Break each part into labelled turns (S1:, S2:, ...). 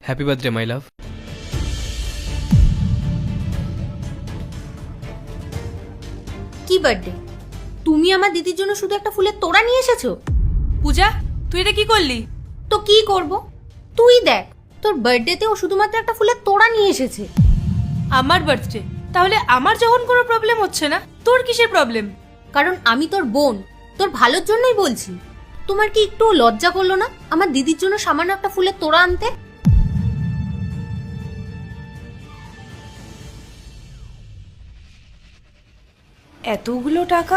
S1: Happy birthday my লাভ।
S2: কি birthday? তুমি আমার দিদির জন্য শুধু একটা ফুলের তোড়া নিয়ে এসেছো?
S3: পূজা, তুই এটা কি করলি?
S2: তো কি করব? তুই দেখ, তোর বার্থডেতে ও শুধুমাত্র একটা ফুলের তোড়া নিয়ে এসেছে।
S3: আমার বার্থডে? তাহলে আমার যখন কোনো প্রবলেম হচ্ছে না, তোর কিসের প্রবলেম?
S2: কারণ আমি তোর বোন, তোর ভালোর জন্যই বলছি। তোমার কি একটু লজ্জা করলো না আমার দিদির জন্য সামান্য একটা ফুলের তোড়া আনতে?
S3: এতগুলো টাকা?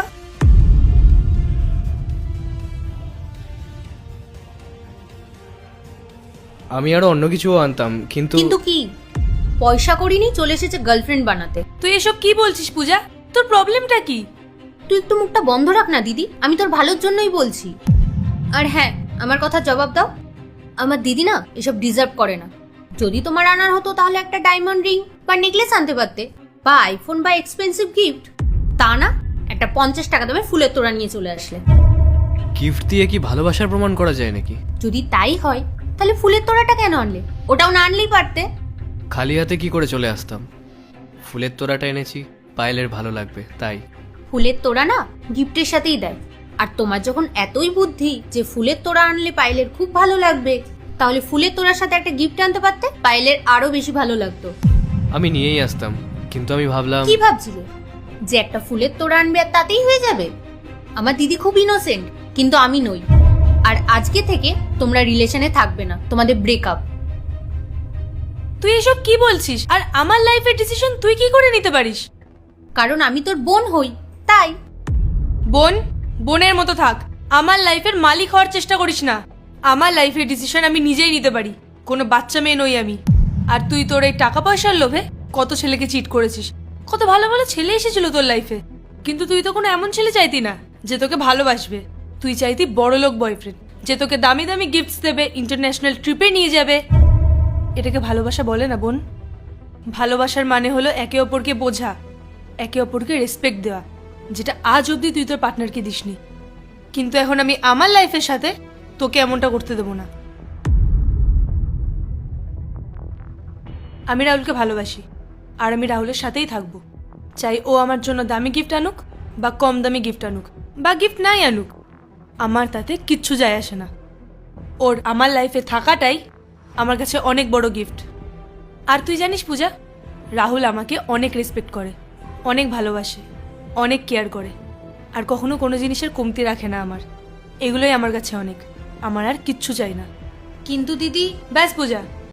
S1: আমি আরো অন্য কিছুও আনতাম, কিন্তু
S2: কিন্তু কি, পয়সা করিনি, চলে এসেছে গার্লফ্রেন্ড বানাতে।
S3: তুই এসব কি বলছিস পূজা? তোর প্রবলেমটা কি?
S2: তুই একটু মুখটা বন্ধ রাখ না দিদি, আমি তোর ভালোর জন্যই বলছি। আর হ্যাঁ, আমার কথা জবাব দাও। আমার দিদি না এসব ডিজার্ভ করে না। যদি তোমার আনার হতো তাহলে একটা ডায়মন্ড রিং বা নেকলেস আনতে পারতে, বা আইফোন বা এক্সপেন্সিভ গিফট। তা না, একটা 50 টাকা দামে ফুলের তোড়া নিয়ে চলে আসলে।
S1: গিফট দিয়ে কি ভালোবাসার প্রমাণ করা যায় নাকি?
S2: যদি তাই হয় তাহলে ফুলের তোড়াটা কেন আনলে? ওটাও না আনলেই পারতে।
S1: খালি হাতে কি করে চলে আসতাম? ফুলের তোড়াটা এনেছি, পায়েলের ভালো লাগবে তাই।
S2: ফুলের তোড়া না গিফটের সাথেই দেয়। আর তোমার যখন এতই বুদ্ধি যে ফুলের তোড়া আনলে পায়েলের খুব ভালো লাগবে, তাহলে ফুলের তোড়ার সাথে একটা গিফট আনতে পারতে, পায়েলের আরো বেশি ভালো লাগতো।
S1: আমি নিয়েই আসতাম, কিন্তু আমি ভাবলাম
S2: কি ভাবছিলে? যে একটা ফুলের তোড়া আনবে আর তাতেই হয়ে যাবে? আমার দিদি খুব ইনোসেন্ট, কিন্তু আমি নই। আর আজকে থেকে তোমরা রিলেশনে থাকবে না, তোমাদের ব্রেকআপ।
S3: তুই এসব কি বলছিস? আর আমার লাইফের ডিসিশন তুই কি করে নিতে পারিস?
S2: কারণ আমি তোর বোন হই, তাই।
S3: বোন, বোনের মতো থাক। আমার লাইফের মালিক হওয়ার চেষ্টা করিস না। আমার লাইফের ডিসিশন আমি নিজেই নিতে পারি। কোনো বাচ্চা মেয়ে নই আমি। আর তুই তোর এই টাকা পয়সার লোভে কত ছেলেকে চিট করেছিস। কত ভালো ভালো ছেলে এসেছিল তোর লাইফে, কিন্তু তুই তো কোনো এমন ছেলে চাইতি না যে তোকে ভালোবাসবে। তুই চাইতি বড়লোক বয়ফ্রেন্ড, যে তোকে দামি দামি গিফটস দেবে, ইন্টারন্যাশনাল ট্রিপে নিয়ে যাবে। এটাকে ভালোবাসা বলে না বোন। ভালোবাসার মানে হলো একে অপরকে বোঝা, একে অপরকে রেসপেক্ট দেওয়া, যেটা আজ অবধি তুই তোর পার্টনারকে দিসনি। কিন্তু এখন আমি আমার লাইফের সাথে তোকে এমনটা করতে দেবো না। আমি রাহুলকে ভালোবাসি, আর আমি রাহুলের সাথেই থাকবো। চাই ও আমার জন্য দামি গিফট আনুক বা কম দামি গিফট আনুক বা গিফট নাই আনুক, আমার তাতে কিচ্ছু যায় আসে না। ওর আমার লাইফে থাকাটাই আমার কাছে অনেক বড় গিফট। আর তুই জানিস পূজা, রাহুল আমাকে অনেক রেসপেক্ট করে, অনেক ভালোবাসে, অনেক কেয়ার করে, আর কখনো কোনো জিনিসের কমতি রাখে না আমার। এগুলোই আমার কাছে অনেক। আমার আর কিচ্ছু চাই না।
S2: কিন্তু দিদি,
S3: ব্যাস পূজা,